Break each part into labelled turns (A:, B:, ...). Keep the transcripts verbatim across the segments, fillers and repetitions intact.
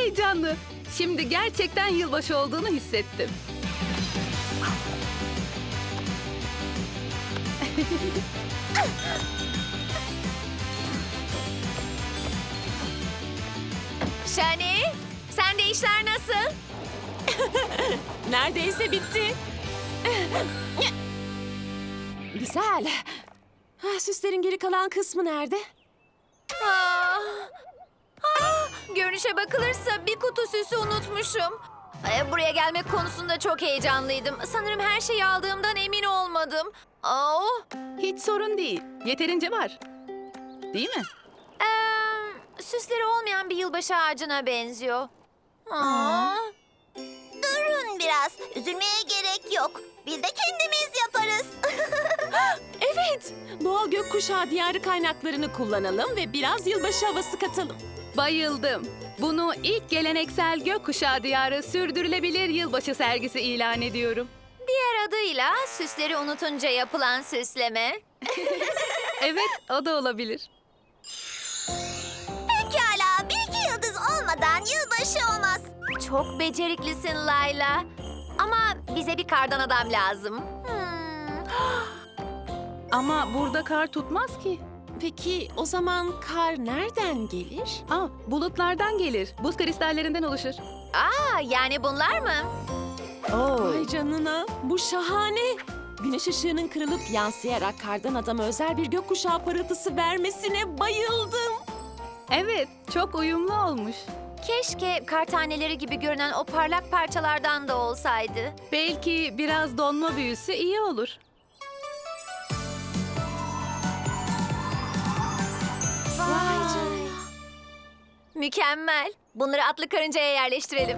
A: heyecanlı. Şimdi gerçekten yılbaşı olduğunu hissettim.
B: Şani, sende işler nasıl?
C: Neredeyse bitti. Güzel. Ah, süslerin geri kalan kısmı nerede?
B: Aa, aa, görünüşe bakılırsa bir kutu süsü unutmuşum. Ee, buraya gelmek konusunda çok heyecanlıydım. Sanırım her şeyi aldığımdan emin olmadım. Aa,
A: Hiç sorun değil. Yeterince var. Değil mi?
B: ee, süsleri olmayan bir yılbaşı ağacına benziyor. Aa.
D: Durun biraz. Üzülmeye gerek yok. Biz de kendimiz yaparız.
C: Evet. Doğal gökkuşağı diyarı kaynaklarını kullanalım ve biraz yılbaşı havası katalım.
A: Bayıldım. Bunu ilk geleneksel gökkuşağı diyarı sürdürülebilir yılbaşı sergisi ilan ediyorum.
B: Diğer adıyla süsleri unutunca yapılan süsleme.
A: Evet, o da olabilir.
D: Pekala. Bir iki yıldız olmadan yılbaşı olmaz.
B: Çok beceriklisin Layla. Ama bize bir kardan adam lazım. Hmm.
A: Ama burada kar tutmaz ki.
C: Peki o zaman kar nereden gelir?
A: Aa, bulutlardan gelir. Buz kristallerinden oluşur.
B: Aa, yani bunlar mı?
A: Oo.
C: Vay canına. Bu şahane. Güneş ışığının kırılıp yansıyarak kardan adama özel bir gökkuşağı parıltısı vermesine bayıldım.
A: Evet, çok uyumlu olmuş.
B: Keşke kar taneleri gibi görünen o parlak parçalardan da olsaydı.
A: Belki biraz donma büyüsü iyi olur.
B: Vay canına. Mükemmel. Bunları atlı karıncaya yerleştirelim.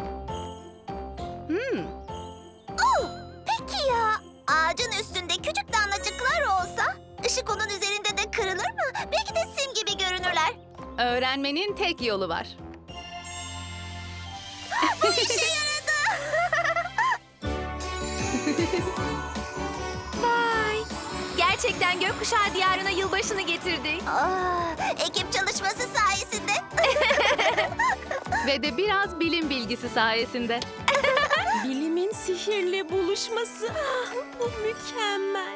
A: Hmm,
D: Peki ya ağacın üstünde küçük damlacıklar olsa ışık onun üzerinde de kırılır mı? Belki de sim gibi görünürler.
A: öğrenmenin tek yolu var.
D: İşe yaradı.
B: Vay. Gerçekten gökkuşağı diyarına yılbaşını getirdik.
D: Aa, ekip çalışması sayesinde.
A: Ve de biraz bilim bilgisi sayesinde.
C: Bilimin sihirle buluşması. Ah, bu mükemmel.